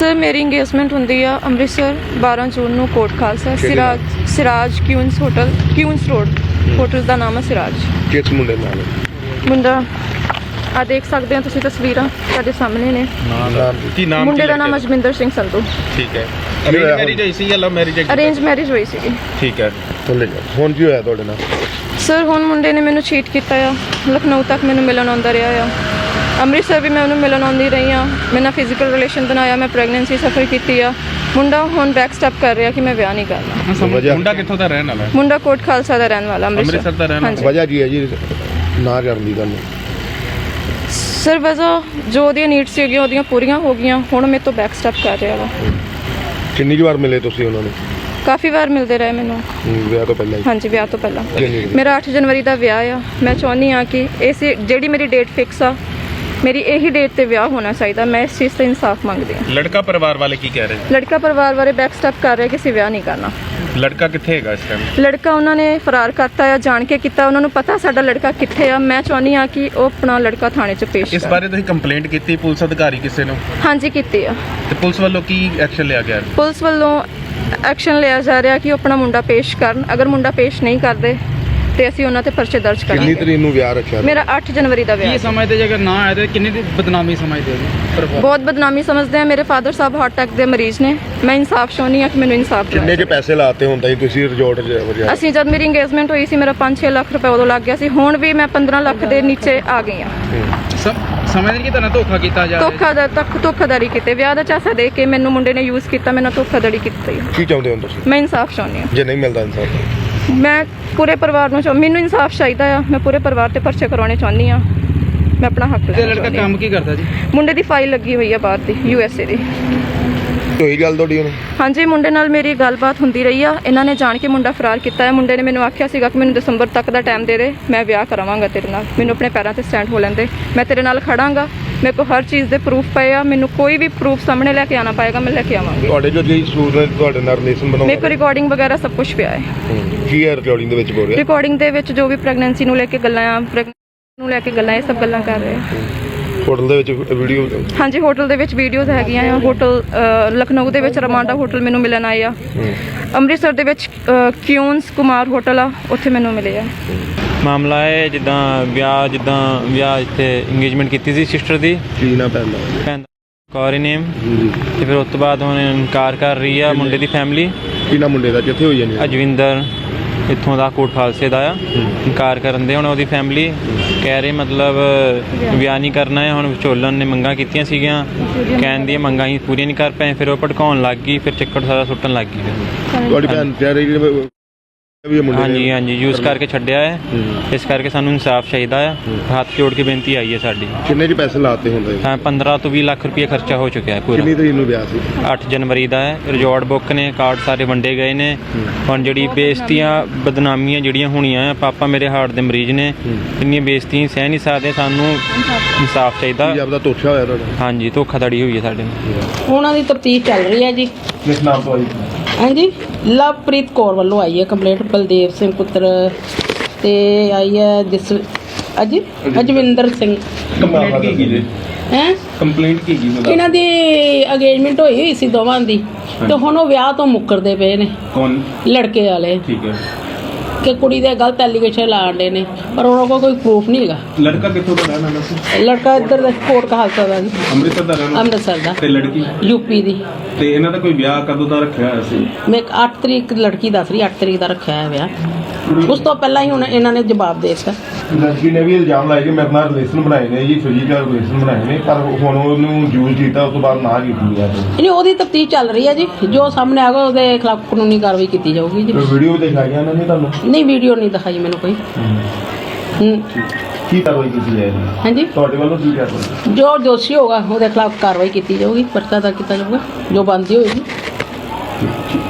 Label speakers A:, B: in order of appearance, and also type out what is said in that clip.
A: Sir ਮੇਰੀ engagement ਹੁੰਦੀ ਆ ਅੰਮ੍ਰਿਤਸਰ 12 ਜੂਨ ਨੂੰ Kot Khalsa Siraj queens hotel queens road hotel ਦਾ ਨਾਮ ਹੈ ਸਿਰਾਜ।
B: ਕਿਸ ਮੁੰਡੇ ਨਾਲ?
A: ਮੁੰਡਾ ਆ ਦੇਖ ਸਕਦੇ ਹੋ ਤੁਸੀਂ ਤਸਵੀਰਾਂ ਸਾਡੇ ਸਾਹਮਣੇ ਨੇ।
B: ਕੀ ਨਾਮ?
A: ਮੁੰਡੇ ਦਾ ਨਾਮ ਅਜਮਿੰਦਰ ਸਿੰਘ ਸੰਧੂ।
B: ਠੀਕ ਹੈ। ਅਰੇਂਜ ਮੈਰਿਜ ਹੋਈ ਸੀ ਜਾਂ ਲਵ ਮੈਰਿਜ?
A: ਅਰੇਂਜ ਮੈਰਿਜ ਹੋਈ ਸੀਗੀ।
B: ਠੀਕ ਹੈ। ਹੁਣ ਕੀ ਹੋਇਆ ਤੁਹਾਡੇ ਨਾਲ?
A: ਸਰ ਹੁਣ ਮੁੰਡੇ ਨੇ ਮੈਨੂੰ ਚੀਟ ਕੀਤਾ ਆ। ਲਖਨਊ ਤੱਕ ਮੈਨੂੰ ਮਿਲਣ ਆਉਂਦਾ ਰਿਹਾ ਆ। ਅੰਮ੍ਰਿਤਸਰ ਵੀ ਮੈਂ ਉਹਨੂੰ ਮਿਲਣ ਆਉਂਦੀ ਰਹੀ ਹਾਂ। ਮੇਰੇ ਨਾਲ ਫਿਜ਼ੀਕਲ ਰਿਲੇਸ਼ਨ ਬਣਾਇਆ। ਮੈਂ ਪ੍ਰੈਗਨੈਂਸੀ ਸਫਰ ਕੀਤੀ ਆ। ਮੁੰਡਾ ਹੁਣ ਬੈਕ ਸਟੈਪ ਕਰ ਰਿਹਾ ਕਿ ਮੈਂ ਵਿਆਹ ਨਹੀਂ ਕਰਨਾ।
B: ਮੁੰਡਾ ਕਿੱਥੋਂ ਦਾ ਰਹਿਣ ਵਾਲਾ?
A: ਮੁੰਡਾ ਕੋਟ ਖਾਲਸਾ ਦਾ ਰਹਿਣ ਵਾਲਾ
B: ਅੰਮ੍ਰਿਤਸਰ ਦਾ ਰਹਿਣ ਵਾਲਾ। ਵਜ੍ਹਾ ਕੀ ਹੈ ਜੀ ਨਾ ਕਰਨ ਦੀ ਗੱਲ?
A: ਸਰ ਵਜ੍ਹਾ ਜੋ ਉਹਦੀਆਂ ਨੀਡਸ ਸੀਗੀਆਂ ਉਹਦੀਆਂ ਪੂਰੀਆਂ ਹੋ ਗਈਆਂ। ਹੁਣ ਮੇਰੇ ਤੋਂ ਬੈਕ ਸਟੈਪ ਕਰ ਰਿਹਾ ਵਾ।
B: ਕਿੰਨੀ ਕੁ ਵਾਰ ਮਿਲੇ ਤੁਸੀਂ ਉਹਨਾਂ ਨੂੰ?
A: ਕਾਫੀ ਵਾਰ ਮਿਲਦੇ ਰਹੇ ਮੈਨੂੰ।
B: ਵਿਆਹ ਤੋਂ ਪਹਿਲਾਂ?
A: ਹਾਂਜੀ ਵਿਆਹ ਤੋਂ ਪਹਿਲਾਂ। ਮੇਰਾ 8 ਜਨਵਰੀ ਦਾ ਵਿਆਹ ਆ। ਮੈਂ ਚਾਹੁੰਦੀ ਹਾਂ ਕਿ ਇਸ ਜਿਹੜੀ ਮੇਰੀ ਡੇਟ ਫਿਕਸ ਆ ਮੇਰੀ ਇਹੀ ਡੇਟ ਤੇ ਵਿਆਹ ਹੋਣਾ ਚਾਹੀਦਾ। ਮੈਂ ਇਸ ਚੀਜ਼ ਤੇ ਇਨਸਾਫ ਮੰਗਦੀ ਹਾਂ।
B: ਲੜਕਾ ਪਰਿਵਾਰ ਵਾਲੇ ਕੀ ਕਹਿ ਰਹੇ?
A: ਲੜਕਾ ਪਰਿਵਾਰ ਵਾਲੇ ਬੈਕ ਸਟੈਪ ਕਰ ਰਹੇ ਕਿ ਅਸੀਂ ਵਿਆਹ ਨਹੀਂ ਕਰਨਾ।
B: ਲੜਕਾ ਕਿੱਥੇ ਹੈਗਾ ਇਸ ਟਾਈਮ?
A: ਲੜਕਾ ਉਹਨਾਂ ਨੇ ਫਰਾਰ ਕਰਤਾ ਆ। ਜਾਣ ਕੇ ਕੀਤਾ। ਉਹਨਾਂ ਨੂੰ ਪਤਾ ਸਾਡਾ ਲੜਕਾ ਕਿੱਥੇ ਆ। ਮੈਂ ਚਾਹੁੰਦੀ ਹਾਂ ਕਿ ਉਹ ਆਪਣਾ ਲੜਕਾ ਥਾਣੇ 'ਚ ਪੇਸ਼
B: ਇਸ ਬਾਰੇ ਤੁਸੀਂ ਕੰਪਲੇਂਟ ਕੀਤੀ ਪੁਲਿਸ ਅਧਿਕਾਰੀ ਕਿਸੇ ਨੂੰ?
A: ਹਾਂਜੀ ਕੀਤੀ ਆ।
B: ਤੇ ਪੁਲਿਸ ਵੱਲੋਂ ਕੀ ਐਕਸ਼ਨ ਲਿਆ ਗਿਆ?
A: ਪੁਲਿਸ ਵੱਲੋਂ ਐਕਸ਼ਨ ਲਿਆ ਜਾ ਰਿਹਾ ਕਿ ਉਹ ਆਪਣਾ ਮੁੰਡਾ ਪੇਸ਼ ਕਰਨ। ਅਗਰ ਮੁੰਡਾ ਪੇਸ਼ ਨਹੀਂ ਕਰਦੇ ਤੇ ਅਸੀਂ ਉਹਨਾਂ ਤੇ ਪਰਚੇ ਦਰਜ ਕਰਾਂਗੇ।
B: ਕਿੰਨੀ ਤਰੀਕ ਨੂੰ ਵਿਆਹ ਰੱਖਿਆ?
A: ਮੇਰਾ 8 ਜਨਵਰੀ ਦਾ ਵਿਆਹ।
C: ਕੀ ਸਮਝਦੇ ਜੇ ਅਗਰ ਨਾ ਆਏ ਤਾਂ ਕਿੰਨੀ ਦੀ ਬਦਨਾਮੀ ਸਮਝਦੇ ਹੋ?
A: ਬਹੁਤ ਬਦਨਾਮੀ ਸਮਝਦੇ ਆ। ਮੇਰੇ ਫਾਦਰ ਸਾਹਿਬ ਹਾਰਟ ਅਟੈਕ ਦੇ ਮਰੀਜ਼ ਨੇ। ਮੈਂ ਇਨਸਾਫ ਚਾਹੁੰਦੀ ਹਾਂ ਕਿ ਮੈਨੂੰ ਇਨਸਾਫ
B: ਕਿੰਨੇ ਕੇ ਪੈਸੇ ਲਾਤੇ ਹੁੰਦਾ ਜੀ ਤੁਸੀਂ ਰਿਜ਼ੋਰਟ 'ਚ?
A: ਅਸੀਂ ਜਦ ਮੇਰੀ ਇੰਗੇਜਮੈਂਟ ਹੋਈ ਸੀ ਮੇਰਾ 5-6 ਲੱਖ ਰੁਪਏ ਉਦੋਂ ਲੱਗ ਗਿਆ ਸੀ। ਹੁਣ ਵੀ ਮੈਂ 15 ਲੱਖ ਦੇ ਨੀਚੇ ਆ ਗਈ ਹਾਂ।
C: ਸਮਝਦੇ ਕਿ ਤੁਹਾਨੂੰ ਧੋਖਾ ਕੀਤਾ ਜਾ ਰਿਹਾ?
A: ਧੋਖਾਧੜੀ ਕੀਤੇ। ਵਿਆਹ ਦਾ ਚਾਸਾ ਦੇ ਕੇ ਮੈਨੂੰ ਮੁੰਡੇ ਨੇ ਯੂਜ਼ ਕੀਤਾ। ਮੈਨੂੰ ਧੋਖਾਧੜੀ ਕੀਤੀ।
B: ਕੀ ਚਾਹੁੰਦੇ ਹੋ ਤੁਸੀਂ?
A: ਮੈਂ ਇਨਸਾਫ ਚਾਹੁੰਦੀ ਹਾਂ।
B: ਜੇ ਨਹੀਂ ਮਿਲਦਾ ਇਨਸਾਫ?
A: ਮੈਂ ਪੂਰੇ ਪਰਿਵਾਰ ਨੂੰ ਮੈਨੂੰ ਇਨਸਾਫ ਚਾਹੀਦਾ ਆ। ਮੈਂ ਪੂਰੇ ਪਰਿਵਾਰ ਤੇ ਪਰਚੇ ਕਰਾਉਣੇ ਚਾਹੁੰਦੀ ਹਾਂ। ਮੈਂ ਆਪਣਾ ਹੱਕ ਲੈਣਾ।
C: ਲੜਕਾ ਕੰਮ ਕੀ ਕਰਦਾ ਜੀ?
A: ਮੁੰਡੇ ਦੀ ਫਾਈਲ ਲੱਗੀ ਹੋਈ ਆ ਬਾਹਰ ਦੀ USA ਦੀ।
B: ਹੋਈ ਗੱਲ ਤੁਹਾਡੀ ਹੁਣ? ਹਾਂਜੀ
A: ਮੁੰਡੇ ਨਾਲ ਮੇਰੀ ਗੱਲਬਾਤ ਹੁੰਦੀ ਰਹੀ ਆ। ਇਹਨਾਂ ਨੇ ਜਾਣ ਕੇ ਮੁੰਡਾ ਫਰਾਰ ਕੀਤਾ ਹੈ। ਮੁੰਡੇ ਨੇ ਮੈਨੂੰ ਆਖਿਆ ਸੀਗਾ ਕਿ ਮੈਨੂੰ ਦਸੰਬਰ ਤੱਕ ਦਾ ਟਾਈਮ ਦੇ ਦੇ। ਮੈਂ ਵਿਆਹ ਕਰਾਵਾਂਗਾ ਤੇਰੇ ਨਾਲ। ਮੈਨੂੰ ਆਪਣੇ ਪੈਰਾਂ ਤੇ ਸਟੈਂਡ ਹੋ ਲੈਂਦੇ। ਮੈਂ ਤੇਰੇ ਨਾਲ ਖੜਾਂਗਾ। ਮੇਰੇ ਕੋਲ ਹਰ ਚੀਜ਼ ਦੇ ਪ੍ਰੂਫ ਪਏ ਆ। ਮੈਨੂੰ ਕੋਈ ਵੀ ਪ੍ਰੂਫ ਸਾਹਮਣੇ ਲੈ ਕੇ ਆਣਾ ਪਏਗਾ। ਮੈਂ ਲੈ ਕੇ ਆਵਾਂਗੀ।
B: ਤੁਹਾਡੇ ਜੋ ਜੀ ਸੂਰ ਨੇ ਤੁਹਾਡੇ ਨਾਲ ਰਿਲੇਸ਼ਨ ਬਣਾਉਣਾ?
A: ਮੇਰੇ ਕੋਲ ਰਿਕਾਰਡਿੰਗ ਵਗੈਰਾ ਸਭ ਕੁਝ ਪਿਆ ਹੈ।
B: ਕੀ ਹੈ ਰਿਕਾਰਡਿੰਗ ਦੇ ਵਿੱਚ ਬੋਲ ਰਿਹਾ?
A: ਰਿਕਾਰਡਿੰਗ ਦੇ ਵਿੱਚ ਜੋ ਵੀ ਪ੍ਰੈਗਨੈਂਸੀ ਨੂੰ ਲੈ ਕੇ ਗੱਲਾਂ ਆ ਨੂੰ ਲੈ ਕੇ ਗੱਲਾਂ ਇਹ ਸਭ ਗੱਲਾਂ ਕਰ ਰਹੇ ਆ।
B: ਹੋਟਲ ਦੇ ਵਿੱਚ ਵੀਡੀਓ? ਹਾਂਜੀ
A: ਹੋਟਲ ਦੇ ਵਿੱਚ ਵੀਡੀਓਜ਼ ਹੈਗੀਆਂ ਆ। ਹੋਟਲ ਲਖਨਊ ਦੇ ਵਿੱਚ ਰਮਾਂਡਾ ਹੋਟਲ ਮੈਨੂੰ ਮਿਲਣ ਆਏ ਆ। ਅੰਮ੍ਰਿਤਸਰ ਦੇ ਵਿੱਚ ਕਿਊਨਸ ਕੁਮਾਰ ਹੋਟਲ ਆ ਉੱਥੇ ਮੈਨੂੰ ਮਿਲੇ ਆ।
D: ਮਾਮਲਾ ਹੈ ਜਿੱਦਾਂ ਵਿਆਹ ਇੱਥੇ ਇੰਗੇਜਮੈਂਟ ਕੀਤੀ ਸੀ ਸਿਸਟਰ ਦੀ।
B: ਕੀ ਨਾ ਪੈਂਦਾ?
D: ਕੌਰੀ ਨੇਮ। ਤੇ ਫਿਰ ਉਸ ਤੋਂ ਬਾਅਦ ਹੁਣ ਇਨਕਾਰ ਕਰ ਰਹੀ ਆ ਮੁੰਡੇ ਦੀ ਫੈਮਿਲੀ।
B: ਕੀ ਨਾ ਮੁੰਡੇ ਦਾ ਕਿੱਥੇ ਹੋਈ ਜਾਨੀ?
D: ਅਜਵਿੰਦਰ ਇੱਥੋਂ ਦਾ ਕੋਟ ਖਾਲਸੇ ਦਾ ਆ। ਇਨਕਾਰ ਕਰਨ ਦੇ ਹੁਣ ਉਹਦੀ ਫੈਮਿਲੀ ਕਹਿ ਰਹੀ ਮਤਲਬ ਵਿਆਹ ਨਹੀਂ ਕਰਨਾ ਹੈ। ਹੁਣ ਵਿਚੋਲਨ ਨੇ ਮੰਗਾਂ ਕੀਤੀਆਂ ਸੀਗੀਆਂ। ਕਹਿਣ ਦੀਆਂ ਮੰਗਾਂ ਹੀ ਪੂਰੀਆਂ ਨਹੀਂ ਕਰ ਪਏ। ਫਿਰ ਉਹ ਭੜਕਾਉਣ ਲੱਗ ਗਈ। ਫਿਰ ਚੱਕਰ ਸਾਰਾ ਸੁੱਟਣ ਲੱਗ ਗਈ।
B: ਤੁਹਾਡੀ ਭੈਣ ਕਹਿ ਰਹੀ
D: ਹਾਂਜੀ ਯੂਜ਼ ਕਰਕੇ ਛੱਡਿਆ ਹੈ। ਇਸ ਕਰਕੇ ਸਾਨੂੰ ਇਨਸਾਫ ਚਾਹੀਦਾ ਆ। ਹੱਥ ਜੋੜ ਕੇ ਬੇਨਤੀ ਆਈ ਹੈ ਸਾਡੀ।
B: ਕਿੰਨੇ ਜੀ ਪੈਸੇ ਲਾਤੇ ਹੁੰਦੇ?
D: 15 ਤੋਂ 20 ਲੱਖ ਰੁਪਏ ਖਰਚਾ ਹੋ ਚੁੱਕਿਆ ਹੈ ਪੂਰਾ।
B: ਕਿੰਨੀ ਤਰੀਕ ਨੂੰ ਵਿਆਹ ਸੀ?
D: 8 ਜਨਵਰੀ ਦਾ ਹੈ। ਰਿਜ਼ੋਰਟ ਬੁੱਕ ਨੇ। ਕਾਰਡ ਸਾਰੇ ਵੰਡੇ ਗਏ ਨੇ। ਹੁਣ ਜਿਹੜੀ ਬੇਇੱਜ਼ਤੀਆਂ ਬਦਨਾਮੀਆਂ ਜਿਹੜੀਆਂ ਹੋਣੀਆਂ ਆ। ਪਾਪਾ ਮੇਰੇ ਹਾਰਟ ਦੇ ਮਰੀਜ਼ ਨੇ। ਇੰਨੀਆਂ ਬੇਇੱਜ਼ਤੀਆਂ ਸਹਿ ਨਹੀਂ ਸਕਦੇ। ਸਾਨੂੰ ਇਨਸਾਫ ਚਾਹੀਦਾ।
B: ਆਪਦਾ ਧੋਖਾ ਹੋਇਆ ਤੁਹਾਡਾ?
D: ਹਾਂਜੀ ਧੋਖਾਧੜੀ ਹੋਈ ਹੈ ਸਾਡੇ ਨਾਲ।
E: ਉਹਨਾਂ ਦੀ ਤਫਤੀਸ਼ ਚੱਲ ਰਹੀ ਹੈ ਜੀ।
B: ਕਿਸ ਨਾਮ ਤੋਂ ਆਈ?
E: ਹਾਂਜੀ ਲਵਪ੍ਰੀਤ ਕੌਰ ਵੱਲੋਂ ਆਈ ਹੈ ਕੰਪਲੇਂਟ। ਬਲਦੇਵ ਸਿੰਘ ਪੁੱਤਰ ਤੇ ਆਈ ਹੈ ਅਜਵਿੰਦਰ ਸਿੰਘ।
B: ਕੰਪਲੇਂਟ ਕੀ ਜੀ? ਕੰਪਲੇਂਟ ਕੀ ਜੀ?
E: ਇਹਨਾਂ ਦੀ ਅਗੇਜਮੈਂਟ ਹੋਈ ਸੀ ਦੋਵਾਂ ਦੀ। ਤੇ ਹੁਣ ਉਹ ਵਿਆਹ ਤੋਂ ਮੁੱਕਰਦੇ ਪਏ ਨੇ।
B: ਕੌਣ?
E: ਲੜਕੇ ਵਾਲੇ।
B: ਠੀਕ ਹੈ।
E: ਕਿ ਕੁੜੀ ਦੇ ਗਲਤ ਐਲੀਗੇਸ਼ਨ ਲਾਉਂਦੇ ਨੇ ਪਰ ਉਹਨਾਂ ਕੋਲ ਕੋਈ ਪ੍ਰੂਫ ਨਹੀਂ ਹੈਗਾ।
B: ਲੜਕਾ ਕਿੱਥੋਂ ਦਾ ਰਹਿਣ ਵਾਲਾ ਸੀ?
E: ਲੜਕਾ ਇੱਧਰ ਦਾ ਕੋਟ ਖਾਲਸਾ ਦਾ ਜੀ।
B: ਅੰਮ੍ਰਿਤਸਰ ਦਾ ਰਹਿਣ ਵਾਲਾ?
E: ਅੰਮ੍ਰਿਤਸਰ ਦਾ।
B: ਤੇ ਲੜਕੀ?
E: ਯੂਪੀ ਦੀ।
B: ਤੇ ਇਹਨਾਂ ਦਾ ਕੋਈ ਵਿਆਹ ਕਦੋਂ ਦਾ ਰੱਖਿਆ ਹੋਇਆ ਸੀ?
E: ਮੈਂ 8 ਤਰੀਕ ਲੜਕੀ ਦੱਸ ਰਹੀ 8 ਤਰੀਕ ਦਾ ਰੱਖਿਆ ਹੈ ਵਿਆਹ। ਉਸ ਤੋਂ ਪਹਿਲਾਂ ਹੀ ਹੁਣ ਇਹਨਾਂ ਨੇ ਜਵਾਬ ਦੇ ਦਿੱਤਾ।
B: ਲੜਕੀ ਨੇ ਵੀ ਇਲਜ਼ਾਮ ਲਾਇਆ ਕਿ ਮੇਰੇ ਨਾਲ ਰਿਲੇਸ਼ਨ ਬਣਾਏ ਨੇ ਜੀ। ਫਿਜ਼ੀਕਲ ਰਿਲੇਸ਼ਨ ਬਣਾਏ ਨੇ ਪਰ ਹੁਣ ਉਹਨੂੰ ਯੂਜ਼ ਕੀਤਾ। ਉਸ ਤੋਂ ਬਾਅਦ ਨਾ ਕੀਤੀ ਹੈ।
E: ਨਹੀਂ ਉਹਦੀ ਤਫਤੀਸ਼ ਚੱਲ ਰਹੀ ਹੈ ਜੀ। ਜੋ ਸਾਹਮਣੇ ਆਗਾ ਉਹਦੇ ਖਿਲਾਫ ਕਾਨੂੰਨੀ ਕਾਰਵਾਈ ਕੀਤੀ ਜਾਊਗੀ ਜੀ।
B: ਵੀਡੀਓ ਦਿਖਾਈਆਂ ਇਹਨਾਂ ਨੇ ਤੁਹਾਨੂੰ?
E: ਨਹੀਂ ਵੀਡੀਓ ਨਹੀਂ ਦਿਖਾਈ ਮੈਨੂੰ ਕੋਈ।
B: ਕੀ ਕਾਰਵਾਈ ਕੀਤੀ ਜਾਏਗੀ?
E: ਹਾਂਜੀ
B: ਤੁਹਾਡੇ ਵੱਲੋਂ ਕੀ ਕਾਰਵਾਈ?
E: ਜੋ ਦੋਸ਼ੀ ਹੋਗਾ ਉਹਦੇ ਖਿਲਾਫ ਕਾਰਵਾਈ ਕੀਤੀ ਜਾਊਗੀ। ਪਰਚਾ ਦਰਜ ਕੀਤਾ ਜਾਊਗਾ ਜੋ ਬਣਦੀ ਹੋਏਗੀ।